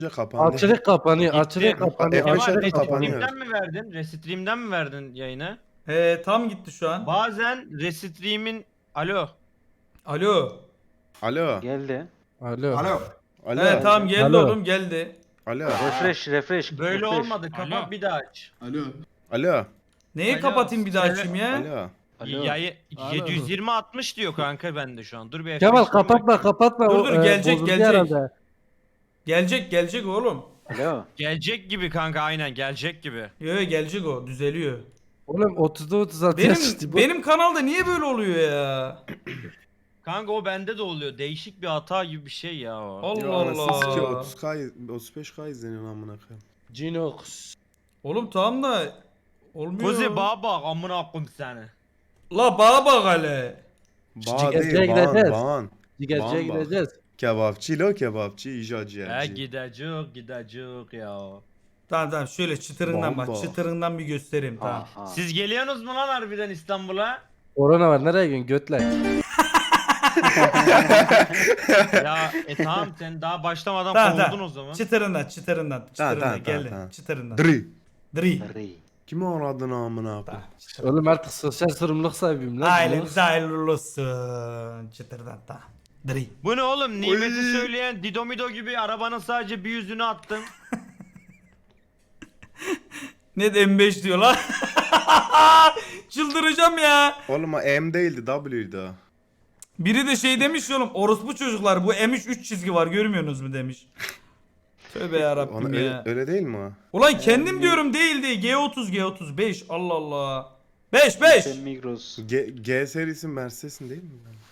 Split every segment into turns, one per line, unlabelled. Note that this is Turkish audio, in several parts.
Kapandı.
Açılık kapanıyor,
Gitti.
açılık kapanıyor,
Kemal,
açılık
Kemal,
kapanıyor.
kapanıyor.
Restream'den mi verdin? Restream'den mi verdin yayını?
Tam gitti şu an.
Bazen Restream'in... Alo.
Alo.
Alo.
Geldi.
Alo.
Alo.
Alo.
Tamam geldi
Alo.
oğlum geldi.
Alo.
Refresh.
Böyle
refresh.
olmadı. Kapat
Alo.
bir daha aç.
Alo.
Alo.
Neyi
Alo,
kapatayım bir daha
söyle.
açayım ya?
Alo.
Alo.
Yayı
Alo.
720-60 diyor kanka bende şu an. Dur bir
Kemal
F5'liyim
kapatma kapatma.
Dur,
O,
dur, gelecek,
bozuldu
gelecek.
herhalde.
Gelecek oğlum.
Alo.
Gelecek gibi kanka, aynen gelecek gibi.
Yo gelecek o düzeliyor.
Oğlum 30'da 36
Benim
yaşlı bu.
benim kanalda niye böyle oluyor ya?
Kanka o bende de oluyor. Değişik bir hata gibi bir şey ya o.
Allah
Ya anasını sikeyim,
Allah.
30K 35K izleniyor amına koyayım.
Cinox.
Oğlum tamam da olmuyor.
Kuzi baba amına koyayım seni.
La bana bak hele.
Bağ
Cigerciye
değil,
gideceğiz.
bağın.
Cigerciye
Bamba.
gideceğiz.
Kebapçı lo kebapçı, icat ciğerci.
Gidecek ya.
Tamam şöyle çıtırından bak.
Bomba.
Çıtırından bir göstereyim tamam.
Aha.
Siz geliyorsunuz mu lan harbiden İstanbul'a?
Korona var, nereye gidiyorsun götlek?
Ya tamam sen daha başlamadan
Tamam
kovuldun
tamam.
o zaman.
Çıtırından
tamam,
geldi.
tamam.
Çıtırından.
Dri.
Dri.
Ri.
Kimi aradın amına koyayım?
Oğlum artık sosyal sorumluluk sahibiyim lan.
Ailemize hayırlı olsun. Çıtırdan tamam. Dri.
Bu ne oğlum? Nimeti
Oy.
söyleyen Didomido gibi arabanın sadece bir yüzünü attın.
Ne de M5 diyor lan. Çıldıracağım ya.
Oğlum o M değildi, W'ydi o.
Biri de şey demiş oğlum orospu çocuklar bu M3 3 çizgi var görmüyorsunuz mu demiş. Tövbe yarabbim
Ona
ya.
öyle değil mi o?
Ulan kendim diyorum değil G30 G35 Allah Allah. 5
Sen Migros.
G serisi Mercedes'in değil mi?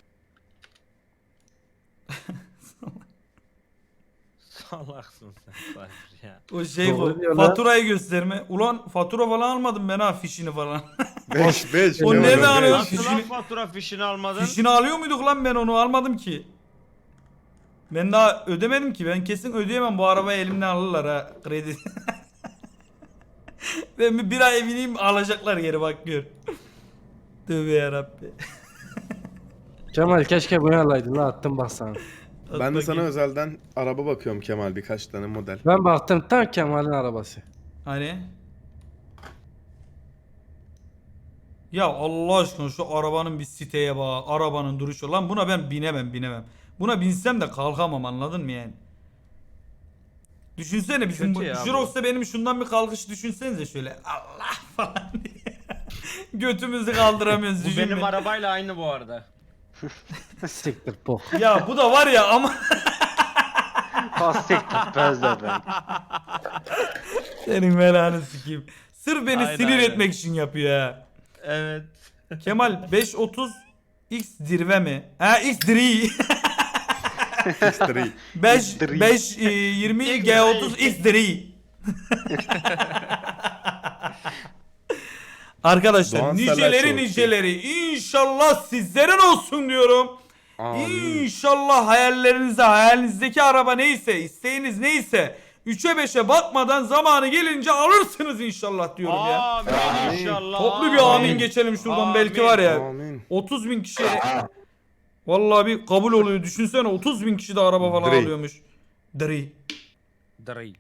Salaksın sen Cypher ya.
O şey
Doğru
bu
diyor lan.
faturayı gösterme. Ulan fatura falan almadım ben ha fişini falan.
5.
O nereden alıyorsun?
Nasıl
Fişini-
lan fatura fişini almadın?
Fişini alıyor muyduk lan ben onu almadım ki. Ben daha ödemedim ki ben kesin ödeyemem bu arabayı elimden alırlar ha kredi. Ben bir ay bineyim alacaklar geri bak gör. Tövbe yarabbi.
Kemal keşke bunu alaydın lan, attım bak sana.
Ben de sana özelden araba bakıyorum Kemal, birkaç tane model.
Ben baktım tam Kemal'in arabası.
Hani? Ya Allah aşkına şu arabanın bir siteye bak. Arabanın duruşu. Lan buna ben binemem. Buna binsem de kalkamam anladın mı yani? Düşünsene bizim bu
Kötü ya bu.
Jirox'ta benim şundan bir kalkış düşünsenize şöyle. Allah falan diye. Götümüzü kaldıramıyoruz
Bu
düşünme.
benim arabayla aynı bu arada.
Siktir bok.
Ya bu da var ya ama
Pastek tutmaz da ben.
senin belanı sikeyim. Sırf beni
Aynen,
sinir
aynen.
etmek için yapıyor ha.
Evet.
Kemal 530 X dirve mi? Ha X dri.
X3.
5 20 G30 X dri. Arkadaşlar
Doğan
niceleri
Selçuk.
niceleri inşallah sizlerin olsun diyorum.
Amin.
İnşallah hayalinizdeki araba neyse, isteğiniz neyse 3'e 5'e bakmadan zamanı gelince alırsınız inşallah diyorum ya.
Amin inşallah.
Toplu bir amin geçelim şuradan belki var ya.
Amin.
30 bin kişi vallahi bir kabul oluyor. Düşünsene 30 bin kişi de araba falan
Dri.
alıyormuş. Dri.
Dırıy.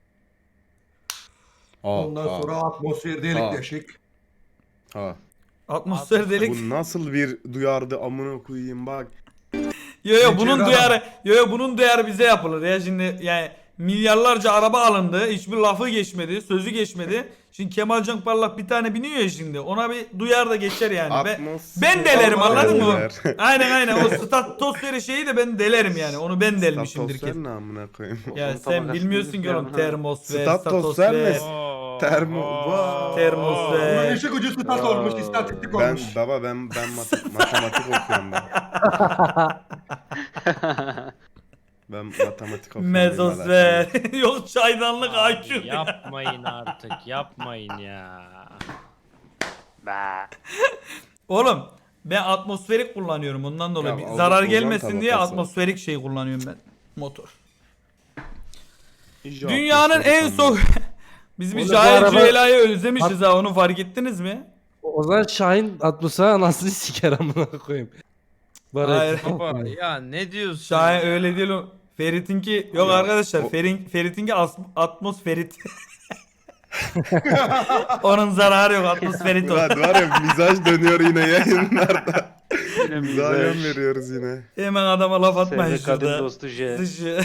Ondan sonra atmosfer delik
Aa.
deşik.
Ha.
Atmosfer delik.
Bu nasıl bir duyardı amına koyayım bak.
Yo bunun
Geçeri
duyarı bunun duyarı bize yapılır ya şimdi yani milyarlarca araba alındı. Hiçbir lafı geçmedi, sözü geçmedi. Şimdi Kemal Can Parlak bir tane biniyor ya şimdi. Ona bir duyar da geçer yani. Ben delerim anladın mı? Aynen o statosferi şeyi de ben delerim yani. Onu ben delmişimdir
Statosfer
ki.
ne amına koyayım?
Ya
Onun
sen
tabakasını
bilmiyorsun ki oğlum
bilmiyorum.
termosfer,
Statosfer mi?
statosfer.
Termo.
Termosfer.
Bunun işi gücü stat olmuş, istatistik
Ben
olmuş.
baba ben matematik okuyorum ben. Ben matematik okuyorum.
Mezosfer. Yok çaydanlık
Abi
IQ.
yapmayın artık, yapmayın ya.
Oğlum ben atmosferik kullanıyorum ondan dolayı.
Ya,
Bir
Avrupa
zarar
ozon
gelmesin diye
tabakası.
atmosferik şey kullanıyorum ben. Motor.
İyice
Dünyanın
atmosfer
en
sandım.
soğuk... Biz bir
Oğlum bu
Cahil
araba-
Cüela'yı özlemişiz ha onu fark ettiniz mi?
O zaman Şahin atmosfer anasını siker amına koyayım.
Hayır.
Baba ya ne diyorsun?
Şahin öyle değil o. Ferit'inki yok arkadaşlar. Ferit'inki atmosferit. Onun zararı yok, atmosferit o.
Murat var ya mizaj dönüyor yine yayınlarda.
Yine
Mizaha yön
mizaj.
veriyoruz yine.
Hemen adama laf atmayın
Sevde kadın
şurada.
dostu J.
Dışı.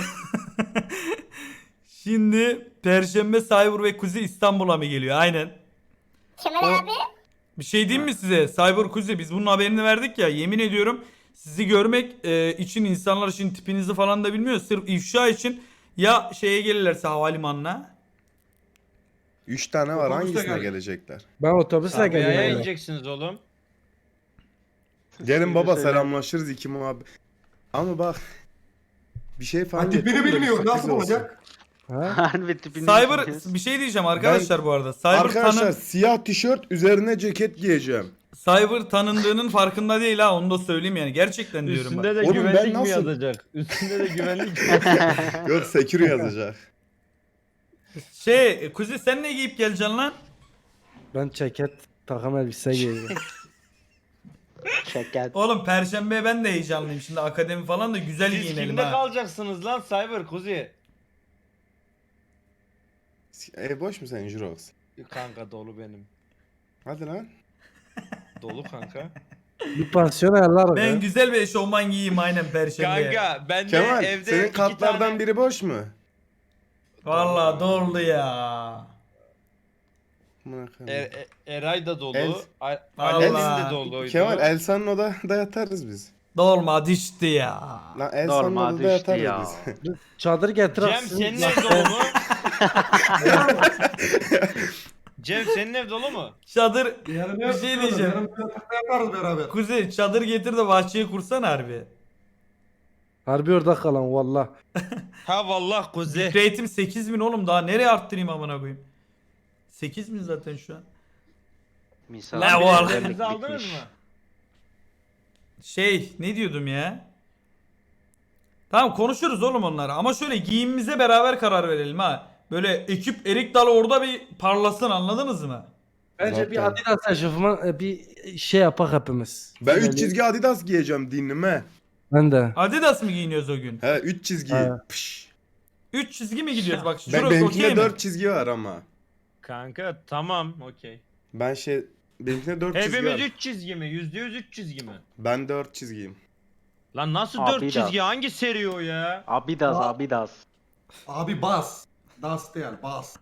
Şimdi Perşembe Cyber ve Kuzi İstanbul'a mı geliyor? Aynen.
Kemal abi.
Bir şey diyeyim mi size? Cyber Kuzi biz bunun haberini verdik ya. Yemin ediyorum sizi görmek için insanlar için tipinizi falan da bilmiyor. Sırf ifşa için ya şeye gelirlerse havalimanına.
3 tane var,
Otobüste
hangisine
gel.
gelecekler?
Ben otobüsle
Sabiha'ya
geliyorum.
ineceksiniz oğlum.
Gelin baba
Söyle.
selamlaşırız iki muhabbet. Ama bak bir şey falan
Ha, tipini
getirdim de
bilmiyor.
bir
Nasıl
sürpriz olsun.
olacak?
Ha?
Harbi tipini
Cyber
bilmiyoruz.
bir şey diyeceğim arkadaşlar bu arada. Cyber
Arkadaşlar siyah tişört üzerine ceket giyeceğim.
Cyber tanındığının farkında değil ha, onu da söyleyeyim yani. Gerçekten diyorum bak.
Üstünde de
Oğlum ben
güvenlik mi
nasıl-
yazacak? Üstünde de güvenlik mi?
Yok secure yazacak.
Kuzi sen ne giyip geleceksin lan?
Ben ceket takım elbise giyeceğim.
Şeker.
Oğlum Perşembe ben de heyecanlıyım. Şimdi akademi falan da güzel
Siz
giyinelim
kimde
ha.
kalacaksınız lan Cyber Kuzi?
Boş mu sen Jurox?
Kanka dolu benim.
Hadi lan.
Dolu kanka.
Bir pansiyon ayarlar
Ben
ya.
güzel bir eşofman giyeyim aynen Perşembe'ye.
Kanka ben de
Kemal
evde
senin
iki
katlardan
tane...
biri boş mu?
Vallahi doldu ya.
Amına koyayım.
Eray da dolu.
El-
Ali'nin
Allah.
de doluydu.
Kemal Elsa'nın odada yatarız biz.
Dolma düştü ya.
Lan Elsa'nın
Normal
odada
düştü
yatarız
ya.
biz.
Çadır getir.
Cem
atsın.
senin ev dolu mu? Cem senin ev dolu mu?
Çadır
Yarın
Bir şey diyeceğim.
Yarın yatakta yaparız beraber.
Kuzey çadır getir de bahçeye kursan harbi.
Harbi orada kalan valla.
Ha vallahi Kuzi.
Rate'im 8000 oğlum, daha nereye arttırayım amına koyayım? 8000 zaten şu an.
Misal.
Ne var?
Biletlerinizi aldınız mı?
Ne diyordum ya? Tamam konuşuruz oğlum onları ama şöyle giyimimize beraber karar verelim ha. Böyle ekip erik dalı orada bir parlasın, anladınız mı?
Bence
Zaten.
bir Adidas eşofman bir şey yapak hepimiz.
Ben 3
Böyle-
çizgi Adidas giyeceğim dinlime.
Ben de.
Adidas mı giyiniyoruz o gün?
He 3 çizgi.
Ha.
Pış.
3 çizgi mi gidiyoruz bak?
Ben,
Şurası
benimkinde
okey mi?
4 çizgi var ama.
Kanka tamam okey.
Ben benimkinde 4 çizgi
Hepimiz
var.
3 çizgi mi? %100 3 çizgi mi?
Ben 4 çizgiyim.
Lan nasıl
Abi
4
de.
çizgi? Hangi seri o ya?
Abidas Abidas.
Abi bas. Das değil bas.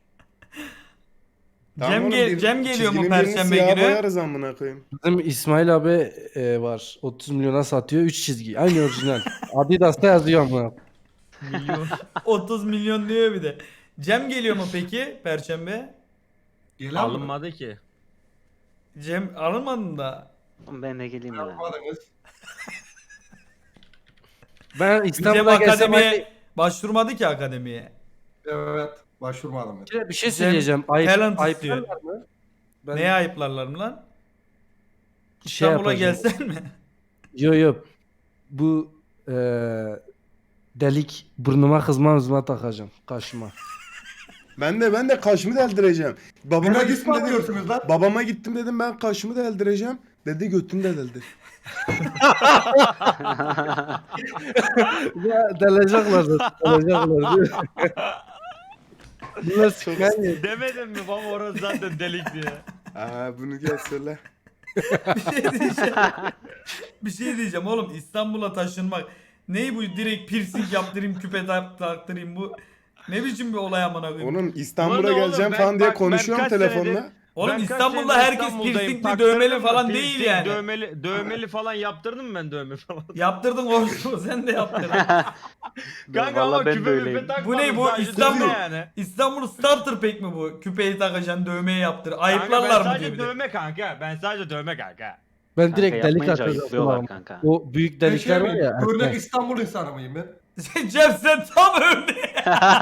Tamam oğlum,
Cem geliyor mu
çizginin birini
Perşembe
siyaha
günü?
boyarız amına koyayım.
Bizim İsmail abi var. 30 milyona satıyor 3 çizgi. Aynı orijinal. Adidas'ta yazıyor ama.
Milyon.
30 milyon diyor bir de. Cem geliyor mu peki Perşembe?
Gelen mi?
Alınmadı ki.
Cem alınmadın da.
Ben de geleyim mi?
Yapmadınız.
Ben
Cem
İstanbul'a gelsem
akademiye başvurmadı ki akademiye.
Evet. Başvurmadım ben.
bir şey söyleyeceğim.
talent
Ayıp
istiyor.
mı? Ben
Neye ayıplarlar mı lan?
şey
İstanbul'a
yapacağım.
gelsen mi?
Yo. Bu delik burnuma hızma takacağım. Kaşıma.
Ben de kaşımı deldireceğim. Babama
Buna
gittim
gitme
dedim.
diyorsunuz lan.
Babama gittim dedim ben kaşımı deldireceğim. Dedi götünü de deldir.
Ya delecekler zaten. Delecekler diyor. Bunlar sıkan ya.
Demedim mi baba orası zaten delik diye.
Bunu gel söyle.
Bir şey diyeceğim oğlum, İstanbul'a taşınmak. Ney bu, direkt piercing yaptırayım, küpe taktırayım bu. Ne biçim bir olay amına koyayım.
Oğlum İstanbul'a
Ulan oğlum,
geleceğim
ben-
falan diye
bak, ben
konuşuyorum
kaç
telefonla.
senedir-
Oğlum
Ben kaç
İstanbul'da
senedir
herkes
İstanbul'dayım,
piercingli,
taktırdım
dövmeli
mı?
falan
Piercing,
değil yani.
Dövmeli falan yaptırdın mı ben dövme falan?
Yaptırdın oğlum, sen de yaptırdın.
Kanka ama
Vallahi ben de
küpe
öyleyim.
müpe takmadım.
Bu ne bu?
sadece
İstanbul-
dövme yani.
İstanbul starter pack mi bu? Küpeyi takacaksın, dövmeyi yaptır.
Kanka ben
Ayıplarlar mı diyor
sadece
bir de.
dövme kanka. Ben sadece dövme kanka.
Ben
Kanka
direkt delik
yapmayınca
atacağım.
ayıplıyorlar kanka.
O büyük
Ben
delikler
şey
var
miyim?
ya.
Örnek
erken.
İstanbul insanı mıyım ben?
Cem sen tam örnek.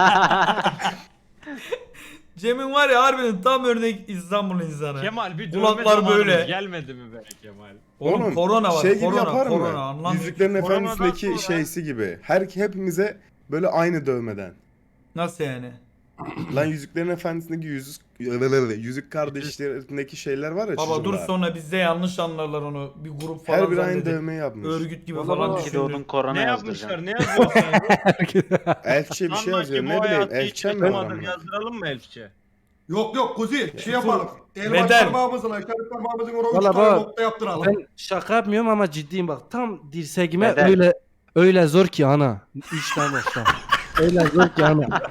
Cem'in var ya harbiden tam örnek İstanbul insanı.
Kemal bir dövme
Kulaklar
zamanımız
böyle.
gelmedi mi be Kemal?
Oğlum korona var.
Şey gibi
korona,
yapar
korona,
mı?
anlam-
Yüzüklerin
Koronadan
Efendisi'ndeki
sonra-
şeysi gibi. Hepimize böyle aynı dövmeden.
Nasıl yani?
Lan Yüzüklerin Efendisi'ndeki yüzük kardeşlerindeki şeyler var ya
Baba dur
çizimler.
sonra bizde yanlış anlarlar onu. Bir grup falan
Her biri aynı
zannedip
dövme yapmış.
örgüt gibi
Baba,
falan
baba.
Bir de onun
düşünür.
korona
Ne
yazdıracağım.
yapmışlar? Ne yazıyorsun?
Elfçe bir şey yazıyor. Ne bileyim elfçe mi var
Yazdıralım
ama?
Yazdıralım mı elfçe?
Yok Kuzi şey yapalım. El
Bedel.
baş parmağımızla işaret parmağımızın oraya 3
Valla
tane
bak,
nokta yaptıralım.
Ben şaka yapmıyorum ama ciddiyim bak. Tam dirseğime
Bedel.
öyle zor ki ana. 3 tane nokta. Öyle zor ki ana.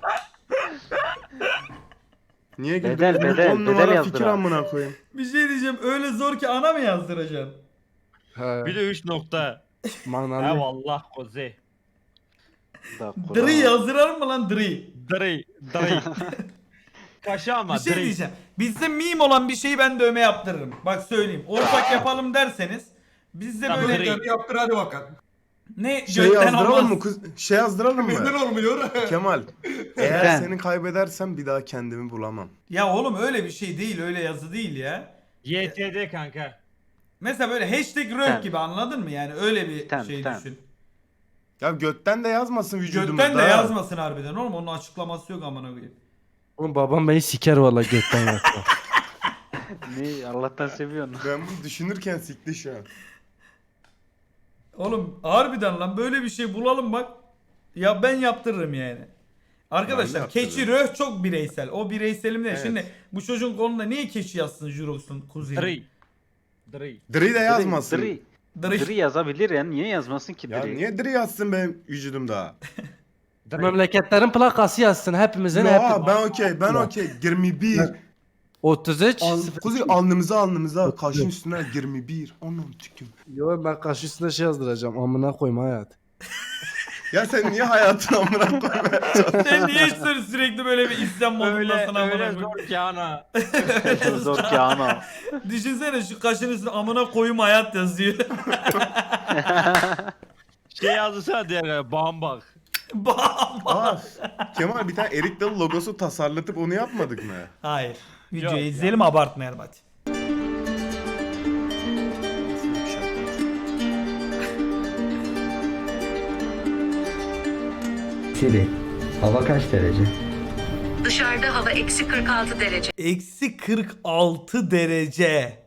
Niye güldün?
Bedel, bedel,
10
bedel
numara
yazdır
fikir
abi.
amına koyayım.
Bir şey diyeceğim öyle zor ki ana mı yazdıracaksın?
He,
Bir de 3 nokta. Ha
manalı.
vallah koze.
Da korona.
Dri yazdıralım mı lan Dri?
Dırıy. Dırıy. Kaşı ama
Bir şey
dırıy.
diyeceğim. Bizde meme olan bir şeyi ben dövme yaptırırım. Bak söyleyeyim. Ortak yapalım derseniz bizde
Tamam,
böyle
Dri.
Hadi yaptır hadi bakalım.
ne
Şey
gökten
yazdıralım
olmaz.
mı? Şey yazdıralım
Neden
mı?
olmuyor?
Kemal. Eğer
Ben.
seni kaybedersem bir daha kendimi bulamam.
Ya oğlum öyle bir şey değil. Öyle yazı değil ya.
YTD kanka.
Mesela böyle hashtag röv
Tamam.
gibi anladın mı? Yani öyle bir
Tamam,
şey
tamam.
düşün.
Ya götten de yazmasın vücudumda.
Gökten de yazmasın harbiden oğlum. Onun açıklaması yok amına koyayım.
Oğlum babam beni siker valla götten yaptı.
Ne Allah'tan seviyorsun.
Ben bunu düşünürken sikti şu an.
Oğlum harbiden lan böyle bir şey bulalım bak. Ya ben yaptırırım yani. Arkadaşlar
yaptırırım.
keçi röh çok bireysel. O bireyselim de.
Evet.
Şimdi bu çocuğun kolunda niye keçi yazsın Jurox'un kuzeni?
Dırıy. Dırıy.
Dri de yazmasın.
şey
Dri yazabilir ya. Niye yazmasın ki
Ya
Dri?
niye Dri yazsın benim vücudumda?
Memleketlerin plakası yazsın hepimizin.
Ya ben okey. 21.
33.
Kuzey alnımıza kaşın üstüne 21. Onun tüküm.
Yo ben karşı üstüne şey yazdıracağım. Amına koyma hayat.
Ya sen niye hayatını amına koymaya çalışıyorsun?
Sen niye sürekli böyle bir isyan
Öyle
modundasın amına
öyle
koyayım?
zor ki ana.
Zor ki ana.
Düşünsene şu kaşın üstüne amına koyum hayat yazıyor.
Şey yazdırsana diğer bambak.
Bam.
Aa, Kemal bir tane Erik Dalı logosu tasarlatıp onu yapmadık mı?
Hayır. Videoyu
Yok ya.
izleyelim abartmayalım hadi.
Siri, hava kaç derece?
Dışarıda hava eksi 46 derece.
Eksi 46 derece.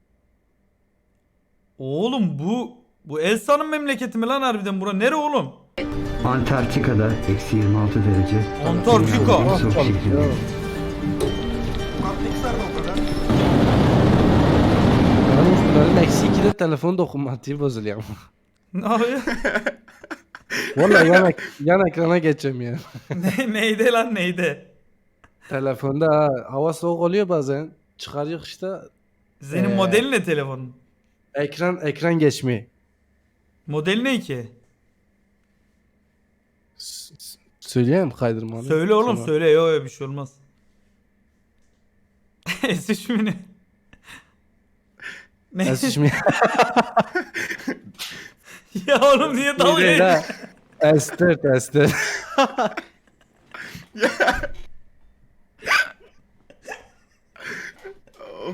Oğlum bu Elsa'nın memleketi mi lan harbiden bura? Nere oğlum?
Antarktika'da eksi 26 derece.
Antarktika.
Dünyanın en soğuk şehri.
Kaplikser de o kadar.
Benim eksi 2'de telefon dokunmatiği bozuluyor.
Ne yapıyor?
Valla yan ekrana geçeceğim ya.
Neydi lan neydi?
Telefonda hava soğuk oluyor bazen. Çıkarıyor işte
Senin
Ee.
modeli ne telefonun?
ekran geçmiyor.
Modeli ne ki?
Söyleyeyim kaydırmanı.
Söyle oğlum
Tamam.
söyle. Yok bir şey olmaz. S3 mü ne? Ne?
S3 mi?
Ya oğlum niye dalga
Değil ha.
geçiyorsun?
S4.
Of.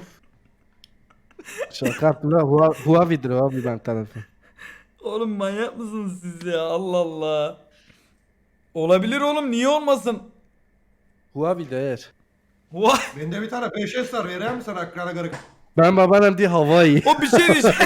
Şaka yaptım lan. Huawei'dir abi ben telefon.
Oğlum manyak mısınız siz ya? Allah Allah. Olabilir oğlum niye olmasın?
Huawei değer.
Vay.
Bende bir tane 5S var. Vereyim mi sana ekrana kırık?
Ben babanım diye Hawaii.
O bir şey diyeceğim.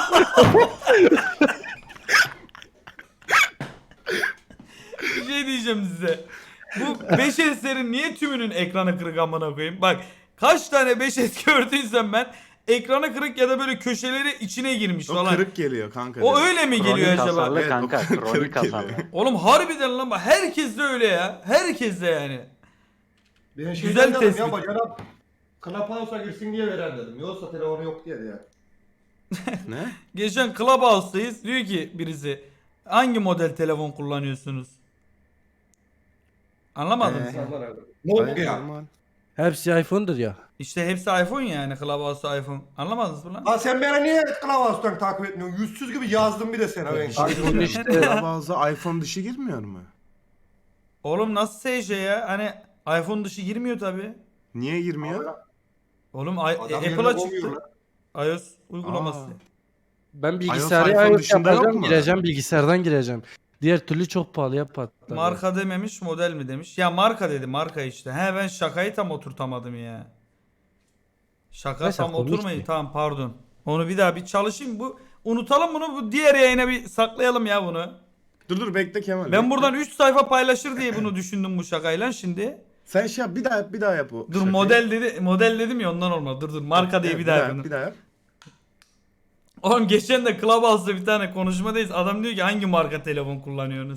Bir şey diyeceğim size. Bu 5S'lerin niye tümünün ekranı kırık amına koyayım? Bak kaç tane 5S gördüysem ben ekranı kırık ya da böyle köşeleri içine girmiş
O
falan.
kırık geliyor kanka.
O
direkt.
öyle mi geliyor
Kronik
acaba?
hasarlı
Evet,
kanka.
o kırık
Kronik
geliyor.
hasarlı.
Oğlum harbiden lan bak herkes de öyle ya. Herkes de yani.
Ben
Güzel
şeyden dedim
tespit.
ya bacana Clubhouse'a girsin diye veren dedim. Yoksa telefonu yok diye ya.
Ne?
Geçen Clubhouse'dayız. Diyor ki birisi hangi model telefon kullanıyorsunuz? Anlamadınız mı?
Nokia.
Normal.
Hepsi iPhone'dur ya.
İşte hepsi iPhone yani Clubhouse iPhone. Anlamadınız mı lan?
Lan sen beni niye Clubhouse'dan takip etmiyorsun? Yüzsüz gibi yazdım bir de sana ben.
iPhone işte.
Bazı iPhone dışı girmiyor mu?
Oğlum nasıl SJ ya? Hani iPhone dışı girmiyor tabi.
Niye girmiyor?
Oğlum
Adam yerine
Apple'a
koyuyor
çıktı.
lan.
iOS uygulaması.
Aa.
Ben
iPhone
bilgisayarı iOS
dışında yok
yapacağım
mu?
gireceğim bilgisayardan gireceğim. Diğer türlü çok pahalıya patlar.
Marka dememiş, model mi demiş. Ya marka dedi, marka işte. He ben şakayı tam oturtamadım ya. Şaka
Neyse,
tam
komik
oturmayın.
mi?
Tamam pardon. Onu bir daha bir çalışayım. Unutalım bunu. Bu diğer yayına bir saklayalım ya bunu.
Dur bekle Kemal.
Ben
bekle.
buradan 3 sayfa paylaşır diye bunu düşündüm bu şakayla şimdi.
Sen şey yap, bir daha yap o.
Dur
şakayı.
model dedim ya ondan olmadı. Dur marka diye
Evet,
bir daha yapın.
Bir daha yap.
Oğlum geçen de Clubhouse'da bir tane konuşmadayız. Adam diyor ki hangi marka telefon kullanıyorsunuz?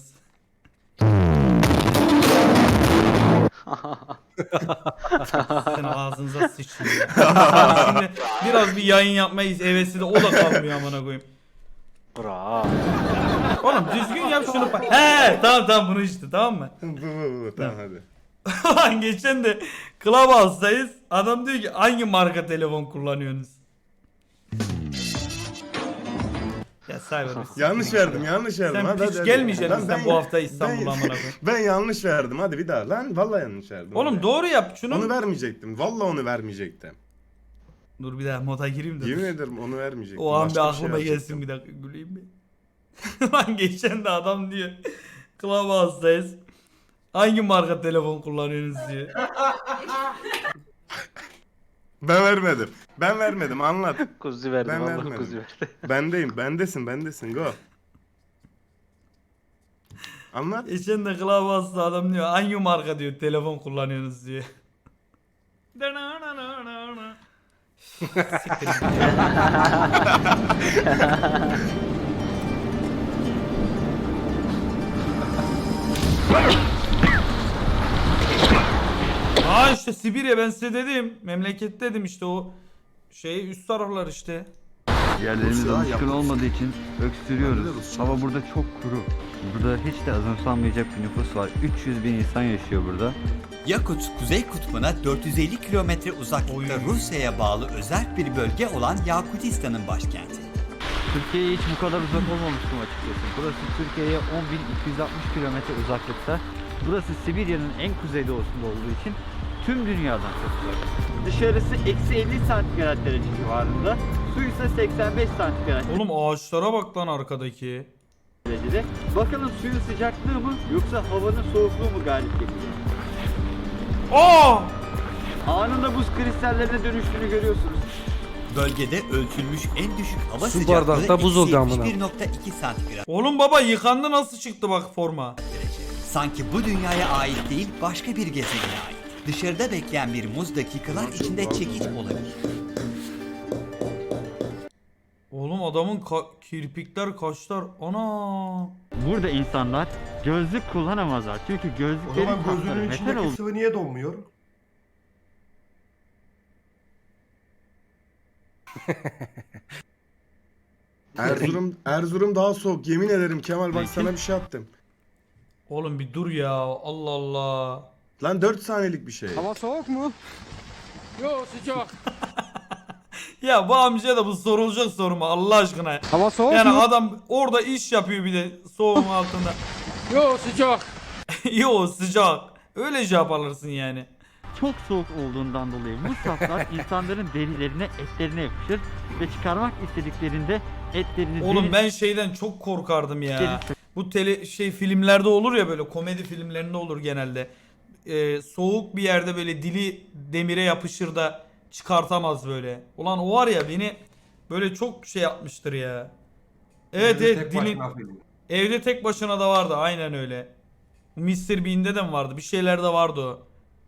Senin ağzınıza sıçayım ya. Şimdi biraz bir yayın yapmayı hevesi de o da kalmıyor amına koyayım.
Bravo.
Oğlum düzgün yap şunu. He tamam bunu işte tamam mı?
Bu tamam hadi.
Lan geçen de Clubhouse'dayız. Adam diyor ki hangi marka telefon kullanıyorsunuz? Ya Cyber.
Yanlış verdim.
Sen
Hadi,
hiç
hadi.
gelmeyeceksin
Lan
sen bu hafta İstanbul'a amına koyayım.
Ben yanlış verdim. Hadi bir daha. Lan vallahi yanlış verdim.
Oğlum
hadi.
doğru yap şunu.
Onu vermeyecektim. Vallahi onu vermeyecektim.
Dur bir daha moda gireyim de.
Yemin ederim onu vermeyecektim.
O an bir
Başka
aklıma
şey
gelsin bir dakika güleyim mi? Lan geçen de adam diyor. Clubhouse'dayız. Hangi marka telefon kullanıyorsunuz diyor.
Ben vermedim. Anlat.
Kuzu verdim
Ben
Allah
vermedim.
kuzu verdi.
Bendeyim. Bendesin. Go. Anlat.
Geçen de Clubhouse'da adam diyor hangi marka diyor telefon kullanıyorsunuz diyor. Siktir git. Aa işte Sibirya ben size dedim. Memleket dedim işte o şey üst taraflar işte.
Yerlerimiz
Rusya
alışkın
yapmış.
olmadığı için öksürüyoruz.
Rusya.
Hava burada çok kuru. Burada hiç de azımsanmayacak bir nüfus var. 300 bin insan yaşıyor burada.
Yakut, Kuzey Kutbu'na 450 kilometre uzaklıkta
Oy.
Rusya'ya bağlı özel bir bölge olan Yakutistan'ın başkenti.
Türkiye'ye hiç bu kadar uzak olmamıştım açıkçası. Burası Türkiye'ye 10.260 kilometre uzaklıkta. Burası Sibirya'nın en kuzeydoğusunda olduğu için tüm dünyadan çok uzak. Dışarısı eksi 50 santigrat derece civarında. Su ise 85 santigrat
Oğlum ağaçlara bak lan arkadaki.
derecede. Bakalım suyun sıcaklığı mı yoksa havanın soğukluğu mu galip geliyor?
Aa!
Anında buz kristallerine dönüştüğünü görüyorsunuz.
Bölgede ölçülmüş en düşük hava
Su
sıcaklığı
bardakta buz oldu amına.
eksi 71.2 santigrat
Oğlum baba yıkandı nasıl çıktı bak forma.
derece. Sanki bu dünyaya ait değil başka bir gezegene ait. Dışarıda bekleyen bir muz dakikalar içinde çekiç olabilir.
Oğlum adamın kirpikler kaşlar ana.
Burada insanlar gözlük kullanamazlar. Çünkü
O
gözlüklerin
zaman
kapları
gözünün
metal
içindeki
olduğu
sıvı niye donmuyor?
Erzurum daha soğuk. Yemin ederim Kemal bak
Peki.
sana bir şey attım.
Oğlum bir dur ya Allah Allah.
Lan 4 saniyelik bir şey.
soğuk mu? Yok sıcak.
Ya bu amca da bu sorulacak soru mu Allah aşkına.
Hava soğuk
Yani adam orada iş yapıyor bir de soğuğun altında.
Yok sıcak.
Yo sıcak. Öyle cevap alırsın yani.
çok soğuk olduğundan dolayı bu saflar insanların derilerine, etlerine yapışır ve çıkarmak istediklerinde etlerini
Oğlum ben şeyden çok korkardım ya. Bu filmlerde olur ya böyle komedi filmlerinde olur genelde. Soğuk bir yerde böyle dili demire yapışır da çıkartamaz böyle. Ulan o var ya beni böyle çok şey yapmıştır ya. Evet
Tek
dilin
başına film.
evde tek başına da vardı aynen öyle. Mr. Bean'de de mi vardı? Bir şeylerde vardı o.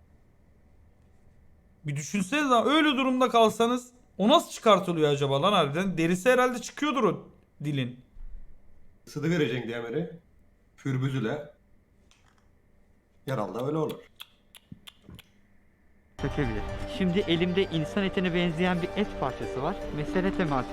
Bir düşünsenize lan öyle durumda kalsanız o nasıl çıkartılıyor acaba lan harbiden? Derisi herhalde çıkıyordur o dilin.
Sıdı vereceksin demiri. Fürbüzüle. Herhalde öyle olur.
sökebilir. Şimdi elimde insan etine benzeyen bir et parçası var. Mesele teması